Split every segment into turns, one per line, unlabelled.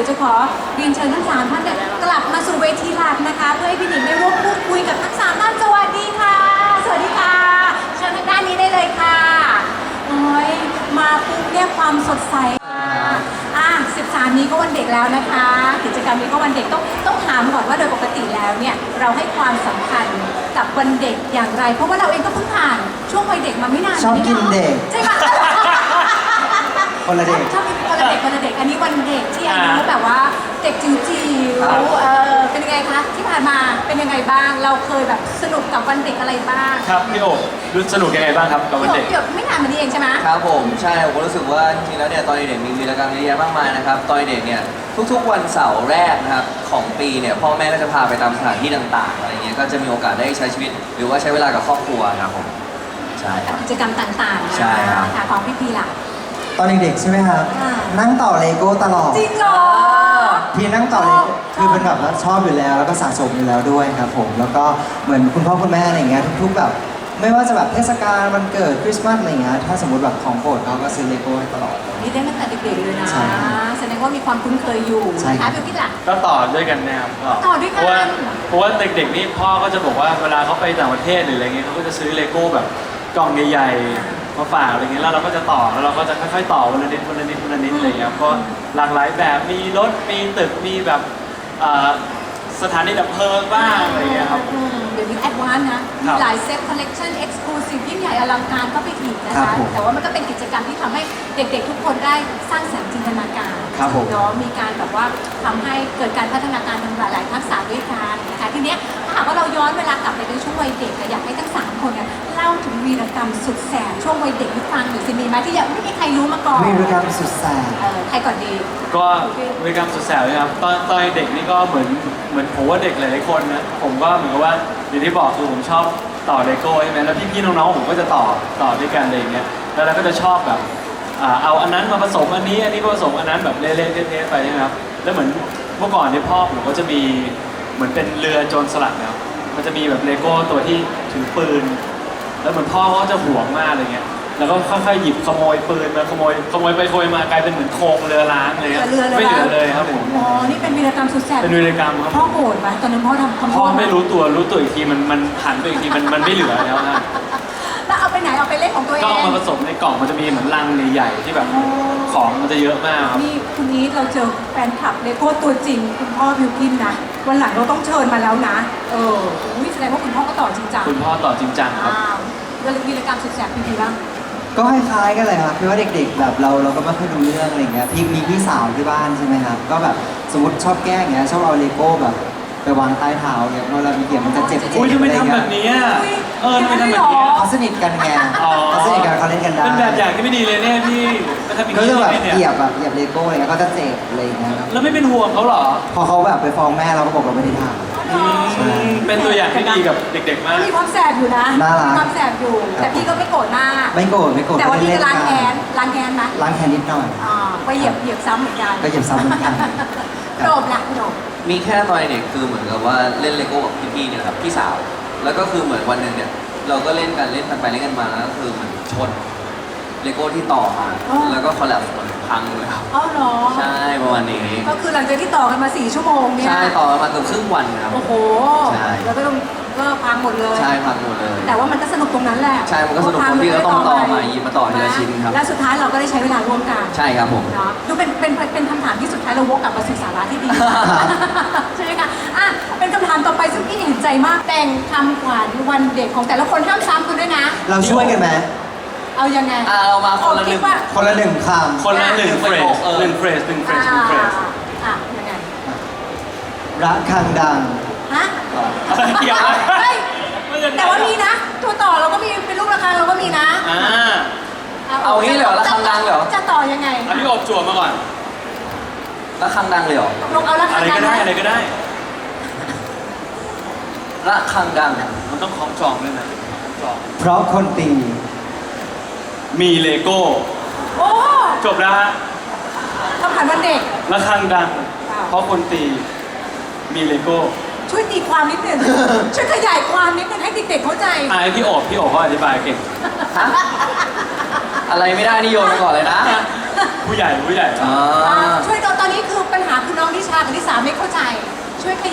จะขอเรียนเชิญทั้งสามท่านเนี่ยกลับมาสู่เวทีหลักนะคะเพื่อให้พี่หนิงได้ร่วมพูดคุยกับทั้งสามท่านสวัสดีค่ะสวัสดีค่ะเชิญทางด้านนี้ได้เลยค่ะโอ้ยมาปุ๊บเนี่ยความสดใส13 นี้ก็วันเด็กแล้วนะคะกิจกรรมนี้ก็วันเด็กต้องถามก่อนว่าโดยปกติแล้วเนี่ยเราให้ความสำคัญกับวันเด็กอย่างไรเพราะว่าเราเองก็เพิ่งผ่านช่วงวัยเด็กมาไม่นาน
ชอบกินเด็ก
ใช่ไหม
คนละเด็ก
ชอบคนละเด็กคนละเด็กอันนี้วันเด็กที่อายุแบบว่าเด็กจิ๋วๆเป็นยังไงคะที่ผ่านมาเป็นยังไงบ้างเราเคยแบบสนุกกับวันเด็กอะไรบ้าง
ครับพี่โอ๊รู้สนุกยังไงบ้างครับกับวันเด็ก
เกือบไม่นานมานี้เองใช่ไหม
ครับผมใช่ผมรู้สึกว่าจริงๆแล้วเนี่ยตอนเด็กมีวีรกรรมเยอะแยะมากมายนะครับตอนเด็กเนี่ยทุกๆวันเสาร์แรกนะครับของปีเนี่ยพ่อแม่ก็จะพาไปตามสถานที่ต่างๆอะไรเงี้ยก็จะมีโอกาสได้ใช้ชีวิตหรือว่าใช้เวลากับครอบครัวครับผมใช่ครับ
กิจกรรมต่างๆ
ใช่ครับ
ของพี่ล่ะ
ตอนเด็กๆใช่ไหมครับนั่งต่อเลโก้ตลอด
จริงเหรอ
พี่นั่งต่อเลโก้คือเป็นแบบว่าชอบอยู่แล้วแล้วก็สะสมอยู่แล้วด้วยครับผมแล้วก็เหมือนคุณพ่อคุณแม่อะไรเงี้ยทุกๆแบบไม่ว่าจะแบบเทศกาลวันเกิดคริสต์มาสอะไรเงี้ยถ้าสมมติแบบของโปรดเขาก็ซื้อเลโก้ให้ตลอด
นี่ได้ตั้งแต่เด็กๆเลยนะแสดงว่ามีความคุ้นเคยอยู่นะคะพี่ล่ะ
ก็ต่อด้วยกันนะครับ
ต่อด้วยกัน
เพราะว่าเด็กๆนี่พ่อก็จะบอกว่าเวลาเขาไปต่างประเทศหรืออะไรเงี้ยเขาก็จะซื้อเลโก้แบบกล่องใหญ่ๆมาฝากอะไรเงี้ยแล้วเราก็จะต่อแล้วเราก็จะค่อยๆต่อวันละนิดวันละนิดวันละนิดอะไรเงี้ยก็หลากหลายแบบมีรถมีตึกมีแบบสถานีดับเพลิงบ้างอะไรเงี้ยครับ
เดี๋ยวนี้แอดวานซ์นะมีหลายเซตคอลเลกชันเอ็กซ์คลูซีฟยิ่งใหญ่อลังการก็ไปอีกนะคะแต่ว่ามันก็เป็นกิจกรรมที่ทำให้เด็กๆทุกคนได้สร้างสรรค์จินตนาการเนาะมีการแบบว่าทำให้เกิดการพัฒนาการทางหลายๆทักษะด้วยกันนะคะทีเนี้ยถ้าหากว่าเราย้อนเวลากลับไปในช่วงวัยเด็กอยากให้ทั้ง3คนเนี่ยเล่าถึงวีรกรรมสุดแสบช่วงวัยเด็กให้ฟังหน่อยสิมีไหมที่ยังไม่มีใครรู้มาก่อน
วีรกรรมสุดแสบ
ใครก่อนดี
ก็วีรกรรมสุดแสบเลยครับตอนเด็กนี่ก็เหมือนผมว่าเด็กหลายๆคนนะผมก็เหมือนกับว่าอย่างที่บอกคือผมชอบต่อเลโก้ใช่ไหมแล้วพี่ๆน้องๆผมก็จะต่อด้วยกันอะไรอย่างเงี้ยแล้วเราก็จะชอบแบบเอาอันนั้นมาผสมอันนี้มาผสมอันนั้นแบบเละๆเทะๆไปใช่ไหมครับแล้วเหมือนเมื่อก่อนที่พ่อผมก็จะมีเหมือนเป็นเรือโจรสลัดนะครับมันจะมีแบบเลโก้ตัวที่ถือปืนแล้วเหมือนพ่อเขาจะห่วงมากอะไรเงี้ยแล้วก็ค่อยๆหยิบขโมยปืนมาขโมยไปขโมยมากลายเป็นเหมือนโครงเรือล้างเลยไม่เหลือเลยครับผม
อ๋อนี่เป็นวีรกรรมสุดแสบ
เป็นวีรกรรมครับ
พ่อโกรธไหมตอนนั้นพ่อทำ
พ่อไม่รู้ตัวอีกทีมันหันไปอีกทีมันไม่เหลือแล้วนะ
แล้วเอาไปไหนเอาไปเล่นของตัวเอง
ก็เอามาผสมในกล่องมันจะมีเหมือนลังใหญ่ๆที่แบบของมันจะเยอะมากครับ
นี่คุณนี้เราเจอแฟนคลับเลโก้ตัวจริงคุณพ่อบิวกินนะวันหลังเราต้องเชิญมาแล้วนะแสดงว่าคุณพ่อก็ต่อจริงจัง
คุณพ่อต่อจริงจังครับ
วีรกรรมสุดแสบพี่บ้าง
ก็คล้ายๆกันเลยครับคือว่าเด็กๆแบบเราก็ไม่ค่อยรู้เรื่องอะไรเงี้ยมีพี่สาวที่บ้านใช่ไหมครับก็แบบสมมติชอบแกล้งเงี้ยชอบเอาเลโก้แบบไปวางใต้เท้าเนี่ยเวลามีเกี่ยวมันจะเจ็บ
อุ้ยทำไมทำแบบนี้ทำไมทำแบบนี้
เขาสนิทกันไงเขาสนิทกันเขาเล่นกันได้
เป็นแบบอย่างที่ไม่ดีเลยเนี่ยพี่
ก็จะแบบเหยียบเลโก้อะไรเงี้ยเขาจะเจ็บอะไรเงี้ย
แล้วไม่เป็นห่วงเขาหรอ
พอเขาแบบไปฟ้องแม่เราก็บอกเราไม่ได้ทำ
เป็นตัวอย่างที่ดีกับเด็กๆมาก
มีความแสบอยู่นะมีความแสบอยู่แต่พี่ก็ไม่โกรธมาก
ไม่โกรธ
แต่ว่าพี่จะล้างแค้นไหมล้าง
แค้นนิดหน่อย
ไปเหยียบซ้ำเหมือนกัน
ก็เหยียบซ้ำเหมือนกัน
โดบละโดบ
มีแค่ตอนเด็กคือเหมือนกับว่าเล่นเลโก้กับพี่ๆเนี่ยครับพี่สาวแล้วก็คือเหมือนวันหนึ่งเนี่ยเราก็เล่นกันไปเล่นกันมาแล้วก็คือมันชนเลโก้ที่ต่อมาแล้วก็คอลแลปส์มันพังเลยครับ
อ๋อเหรอ
ใช่ประมาณนี้
ก็คือหลังจากที่ต่อกันมา4 ชั่วโมงเนี่ย
ใช่ต่อกันมาเกือบครึ่งวันครับ
โอ้โหแล้วก็พังหมดเลย
ใช่พังหมดเลย
แต่ว่ามันก็สนุกตรงนั้นแหละ
ใช่มันก็สนุกตรงที่เราต้องต่อมาหยิบมาต่อทีละชิ้นครับ
และสุดท้ายเราก็ได้ใช้เวลาร่วมกัน
ใช่ครับผม
เนาะดูเป็นคำถามที่สุดท้ายเราวกกลับมาสู่สาระที่ดีใช่ไหมคะเป็นคำถามต่อไปซึ่งพี่เห็นใจมากแต่งคำขวัญวันเด็กของแต่ละคนห้ามซ้ำกันด้วยนะ
เราช่วยกันไหม
เอายังไง
เรามาคนละหนึ่งค
ำคนละ1เฟรส
ยังไง
ระฆังดัง
ฮะ
เกี่ยว
แต่ว่ามีนะตัวต่อเราก็มีเป็นลูกระฆังเราก็มีนะ
เอางี้เหรอระฆังดังเหรอ
จะต่อยังไง
พี่อบจั่วมาก่อน
ระฆังดังเลยเหรอ
ลงเอาระฆังดัง
อะไรก็ได้
ระฆังดัง
มันต้องคล้องจองด้วยนะ
เพราะคนตี
มีเลโก้
โอ้
จบแล้วฮะ
คำถามวันเด็ก
ระฆังดังเพราะคนตีมีเลโก้
ช่วยตีความนิดนึงช่วยขยายความนิดนึงให้เด็กๆเข้าใจ
ให้พี่โอบเขาอธิบายเก่ง
อะไรไม่ได้นิยมไปก่อนเลยนะ
ผู้ใหญ่
ช่วยตอนนี้คือปัญหาคือน้อง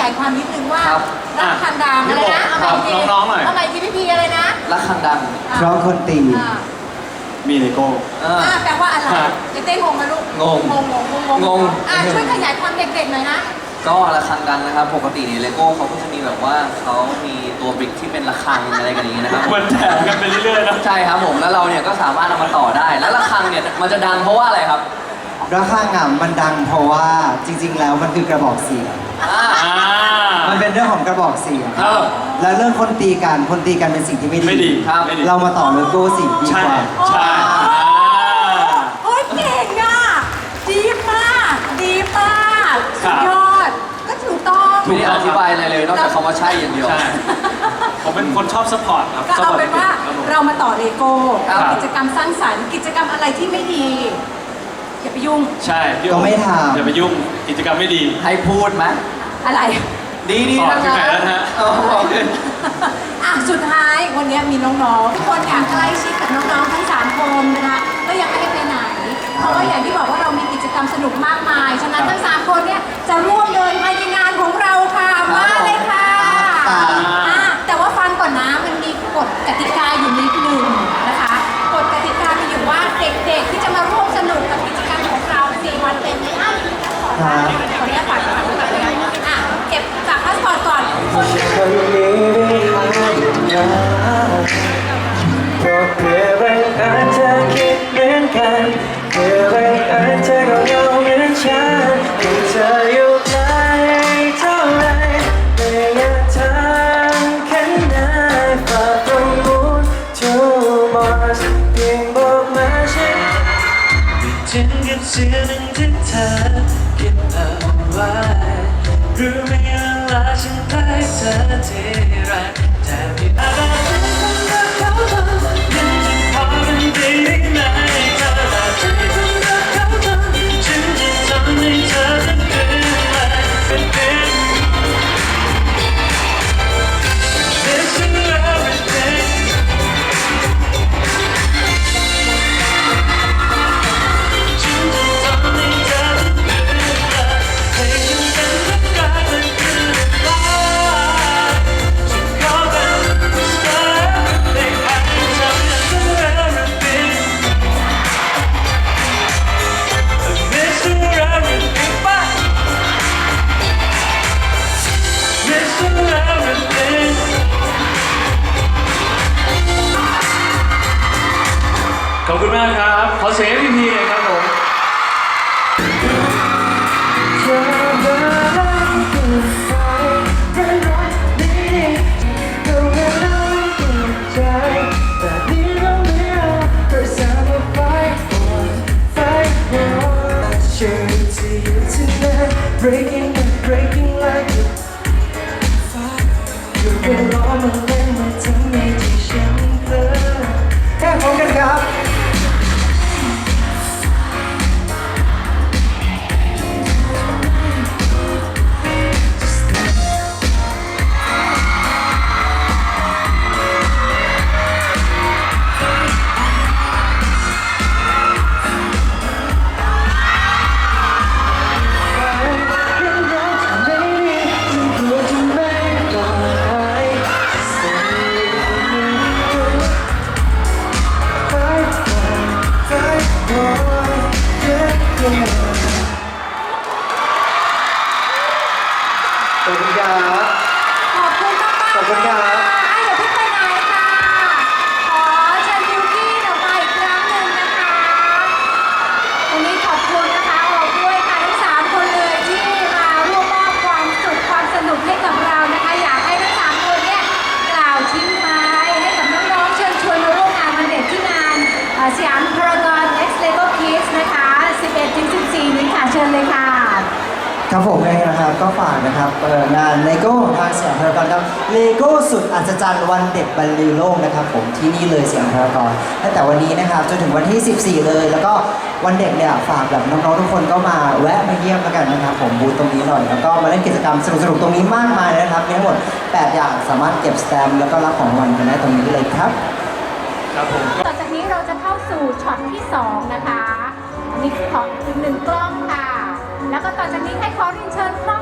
ยายความนิดนึงว่า
ครับ
รักคันดังอะไรนะเอาใหม่ที
น้องๆหน่อย
เอาใหม่ทีพี่พีอะไรนะ
รักคังดัง
เพราะคนตี
อ่า
มีเลโก้
แปลว่าอะไรเต้งงไหมลูก
งง
งงช่วยขยายความเด็กๆหน่อยนะ
ก็ระฆังดังนะครับ ปกติเนี่ยเลโก้เขาก็จะมีแบบว่าเขามีตัวบริกที่เป็นระฆังอะไรกันอย่างนี้นะครับ
มันแถมกันไปเรื่อยๆนะ
ใช่ครับผมแล้วเราเนี่ยก็สามารถเอามาต่อได้ แล้วระฆังเนี่ยมันจะดังเพราะว่าอะไรครับ
ระฆังอ่ะมันดังเพราะว่าจริง ๆ แล้วมันคือกระบอกเสียง
อ่า
มันเป็นเรื่องของกระบอกเสียง
เออ
แล้วเรื่องคนตีกันเป็นสิ่งที่ไม่
ไม่ดี
ครับ
ไม่ดี
เรามาต่อเลโก้สิ่งดี
ใช่
กว่า
ใช่
โอ้ยเก่งอ่ะดีมากดีมากสุดยอดก็ถูกต้อง
ไม่ได้อธิบายอะไรเลยนอกจากคำว่าใช่อย่างเดียว
ใช่ผมเป็นคนชอบสปอร์ตครับ
ก็เอาเป็นว่า
ครับผม
เรามาต่อเลโก้
ครับ
กิจกรรมสร้างสรรค์กิจกรรมอะไรที่ไม่ดีอย่าไปยุ่ง
ใช่พี่
ก็ไม่ทำ
อย่าไปยุ่งกิจกรรมไม่ดี
ให้พูดไหม
อะไร
ดี
สอน
ทั้ง
ที่
นั้
ไหน
น
แล้วฮะ
โอ้โห
อ่ะสุดท้ายวันนี้มีน้องๆทุกคนอยากใกล้ชิดกับน้องๆทั้ง3คนนะคะก็ยังไม่ให้ไปไหน เพราะว่าอย่างที่บอกว่าเรามีกิจกรรมสนุกมากมายฉะนั้นทั้ง3คนเนี่ยจะร่วมเดินไปในงานของเราค่ะมาเลยค่ะอ่ะแต่ว่าฟังก่อนนะมันมีกฎกติกาอยู่นิดหนึ่งนะคะกฎกติกามีอยู่ว่าเด็กๆที่จะมาร่วมสนุกกับกิจกรรมของเรา4 วันเต็มนี้ขออนุญาตฝากก่อนอ่ะเก็บจากพาสปอร์ตก่อนคน
คนนี้ไม่หายนะเพราะเพื่อบังเอิญเธอคิดเหมือนกันเพื่อบังเอิญเธอก็เหงาเหมือนฉันให้เธออยู่ไกลเท่าไรไม่อยากทำแค่ไหนฝากตรงนู้น to Mars เพียงบอกมาฉันถึงกับเสียงหนึ่งที่เธอเก็บเอาไว้รู้ไหมเวลาฉันใกล้เธอทีไรแต่ไม่อาจจะทำให้เขาทำยังจะพอเป็นไปได้ไหมเธอแต่ใจคนรักเขาทำฉันจะทำให้เธอต้องเกินไปเป็น This is everythingฉันจะทำให้เธอต้องเกินไปให้ฉันเป็นรักรักและคืนลาฉันขอเป็น Mr. Everything ให้เธอเป็น Everything Mr. Everything ไป Mr. Everything
ขอบคุณมากครับ ขอเสียงพี่พีเลยครับผม
เธอเดินอยู่ไฟเดินรถนี้ก็เวลาหัวใจแต่นี่เราไม่เอา Cause I'm a fight for Sure to you tonight Breaking like a fire อยู่บนล้อมันเล่นมาทำให้ที่ฉันเพลินแค่พร้อมกันครับ ขอบคุณครับ
ขอบคุณมากๆ
ขอบคุณครับ
อย่าเพิ่งไปไหนค่ะ ขอเชิญบิวกี้ออกมาอีกครั้งหนึ่งนะคะวันนี้ขอบคุณนะคะออกด้วยค่ะทั้ง3 คนเลยที่มาร่วมมอบความสุขความสนุกให้กับเรานะคะ อยากให้ทั้ง3 คนเนี่ยกล่าวทิ้งท้ายให้กับน้องๆเชิญชวนมาร่วมงานวันเด็กที่งานสยามพารากอน X Lego Kids นะคะ 11-14 นี้ค่ะเชิญเลยค่ะ
ครับผมเองนะครับก็ฝากนะครับงานเลโก้ทางสยามพารากอนครับเลโก้สุดอัศจรรย์วันเด็กบรรลือโลกนะครับผมที่นี่เลยสยามพารากอนตั้งแต่วันนี้นะครับจนถึงวันที่ 14 เลย แล้วก็วันเด็กเนี่ยฝากแบบน้องๆทุกคนก็มาแวะมาเยี่ยมแล้วกันนะครับผมบูธตรงนี้หน่อยแล้วก็มาเล่นกิจกรรมสนุกๆตรงนี้มากมายนะครับมีทั้งหมด 8 อย่างสามารถเก็บสแตมป์แล้วก็รับของรางวัลกันได้ตรงนี้เลยครับ
ครับผม
ต่อจากนี้เราจะเข้าสู่ช็อตที่ 2 นะคะอันนี้ของอีก1 กล้องค่ะ แล้วก็ต่อจากนี้ให้ขอเรียนเชิญครอบครัว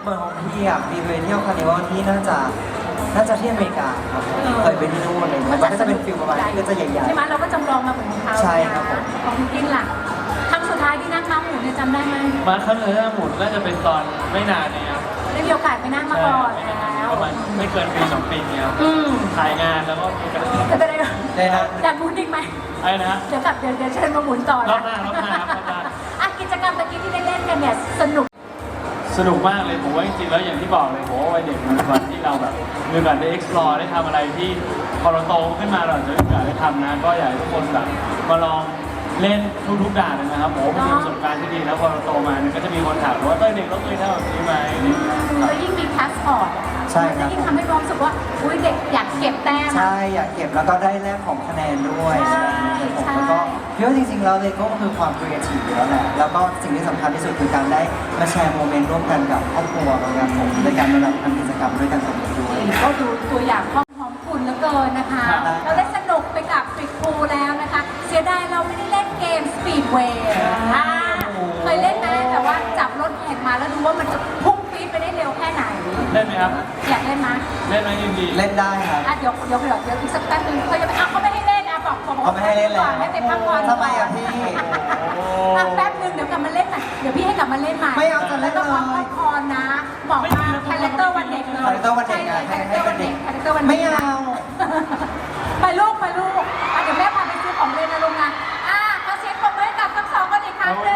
เหมือนของพี่อ่ะพี่ไปเที่ยวคาร์นิวัลที่น่าจะที่อเมริกาครับเคยไปที่นู่นเลยมันก็จะเป็นฟิลประมาณนี้ก็จะใหญ่
ใช่ไหมเราก็จำลองมาเหมือนของเขา
ใช่ครับผม
ของคุณกินล่ะครั้งสุดท้ายที่นั่งม้าหมุนเนี่ยจำได้ไหม
มาครั้งเลยหมุนก็จะเป็นตอนไม่นานเนี่ยครับ
ได้มีโอกาสไปนั่งมาก่อนแล้ว
ประมาณไม่เกินปี2 ปีเนี่ยครับ
อืม
ถ่ายงานแล้วก็มีกระดาษ
จะได้
ได้นะ
อยากหมุนอีกไหม
ไอ้นะฮะ
เดี๋ยวกลับเดี๋ยวเชิญมาหมุนต่อ
รอ
นะ
บหน้ารอบหน้าครับรอบหน้า
อ่ะกิจกรรมตะกี้ที่ได้เล่นกันเนี่ยสนุก
สนุกมากเลยผมว่าจริงๆแล้วอย่างที่บอกเลยผมว่าวัยเด็กมันเป็นวันที่เราแบบมีโอกาสได้ explore ได้ทำอะไรที่พอเราโตขึ้นมาเราจะมีโอกาสได้ทำนะก็อยากให้ทุกคนแบบมาลองเล่นทุกๆด่านเลยนะครับผมเป็นประสบการณ์ที่ดีแล้วพอเราโตมาเนี่ยก็จะมีคนถามว่าตอนเด็กเราเคยทำแบบนี้ไหมอะไรอย่างเงี้ย
แล้วยิ่งมีพาสปอร์ต
ใช่ครับ
จะยิ่งทำให้เรารู้สึกว่าอุ้ยเด็กอยากเก็บแต้ม
ใช่อยากเก็บแล้วก็ได้แลกของคะแนนด้วย
ใช่
ผมแล้วก็พี่ว่าจริงๆแล้วเลโก้ก็คือความครีเอทีฟอยู่แล้วแหละแล้วก็สิ่งที่สำคัญที่สุดคือการได้มาแชร์โมเมนต์ร่วมกันกับครอบครัวกับผมในการมาทำกิจกรรมด้วยกันแบบนี้ด้วย
ก็ดูตัวอย่างครอบครัวของคุณเหลือเกินนะคะ
ครับ
เราได้สนุกไปกับฟิกพูแล้วนะคะ เสียดายเราไม่ได้เล่นเกมสปีดเวย์เคยเล่นไหมแต่ว่าจับรถแข่งมาแล้วดูว่ามันจะพุ่งปี๊ดไปได้เร็วแค่ไหน
เล่นไหมครับ
อยากเล่นไหม
เล่นไหมยินดี
เล่นได้ครับ
อ่ะเดี๋ยวอีกสักแป๊บนึงเขาจะไปอ่ะเขาไม่ให้เล่นอ่ะบอก
เขาไม่ให้เล่นแล้ว
ให้ไปพักผ่อน
ทำไมอ่ะพี่
อ่ะแป๊บนึงเดี๋ยวกลับมาเล่นใหม่เดี๋ยวพี่ให้กลับมาเล่นใหม่
ไม่เอาจะเล่นเลย
แล้วก็พักผ่อนนะ บอกว่าคาแรคเตอร์วันเด็กเลย
คาแรคเตอร์วันเด็กอ่ะ
ใช่คาแรคเตอร์วันเด็กคาแรคเตอร์วันเด็ก
ไม่เอา
ไปลูกอ่ะเดี๋ยวแม่พาไปซื้อของเล่นนะลุงนะขอเสียงปรบมือให้กับทั้งสองคนอีกครั้งหนึ่ง